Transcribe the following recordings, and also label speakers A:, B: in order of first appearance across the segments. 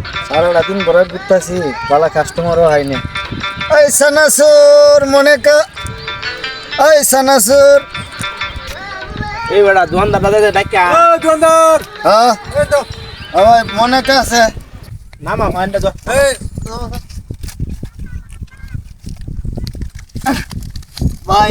A: সারাটা দিন ঘরে ঘুরতেছি, বালা কাস্টমারও হয়নি। এই সানাসুর মনে কা, এই সানাসুর।
B: এই বেটা দোকানদার দাদা ডাক্কা
C: দোকানদার
A: হ্যাঁ
C: এই তো
A: ওই মনে কা আছে।
B: নামা মাইন্ডা যা
C: এই
A: ভাই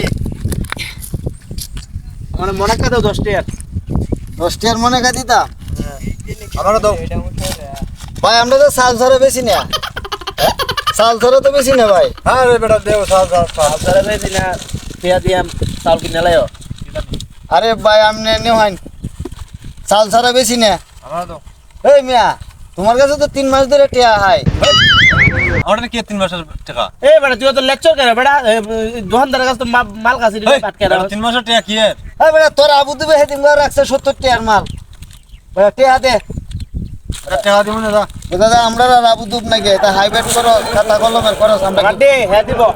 B: আমার মনে কাদাও 10 টাকা
A: 10 টাকার মনে কা দিতা।
C: আমারও দাও।
A: ভাই আমরা তো সাল ধরে বেশি না, সাল ধরে তো বেশি না ভাই।
C: হ্যাঁ রে বেটা দেও সাল সাল সাল।
B: আপনারা ভাই দিনা টিয়া দিয়াম চাল কিনে লাইও
A: আরে ভাই আমনে নিও হাইন, সাল ধরে বেশি না।
C: আমারও দাও।
A: এই মিয়া তোমার কাছে তো 3 মাস ধরে টিয়া হাই।
C: আমারটা কি 3 মাসের টাকা?
B: এই বেটা তুই তো লেকচার করে বেটা দোকানদারের কাছে তো মাল কাছে
C: এই,
B: পাটকে
C: বেটা 3 মাসের টাকা কি এর?
A: এই বেটা তোর আবু দিবে হেদিন করে রাখছে 70 টাকার মাল। বেটা টিয়া দে।
C: এটা টাকা দিমু না দা।
A: এ দাদা আমরা আর আবু দুব নাকি, এটা হাইব্রিড করো, খাতা কলমের খরচ আমরা কি-
B: কাটে হ্যাঁ দিব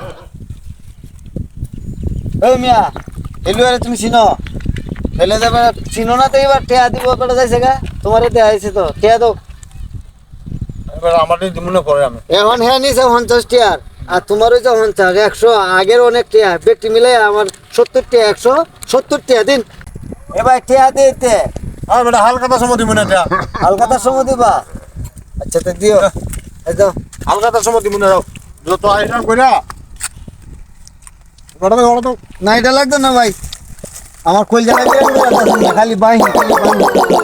A: এই মিয়া এলুয়ারে তুমি চিনো, ফেলে যাবে চিনো না তো, এবার টিয়া দিব বেটা যাইছে গা, তোমারে দেয়া হয়েছে তো টিয়া দাও।
C: এবার আমারটাই দিমু না পরে আমি।
A: এখন হ্যাঁ নিছে 50 টিয়ার, আর তোমার ওই যে 50 100 আগের অনেক টিয়া ব্যক্তি মিলে আমার 70 টিয়া 170 টিয়া দিন। এবার টিয়া দিতে
C: আর বেটা হালকাটা সময় দিমু না এটা।
A: হালকাতার সময় দিবা। আচ্ছা তো দিও, এই দাও।
C: হালকাটা সময় দিমু না দাও। যত আইসাম কইরা বড় দাও বড় দাও।
A: না এটা লাগতো না ভাই, আমার কলজা লাগে খালি বাইন খালি বাইন।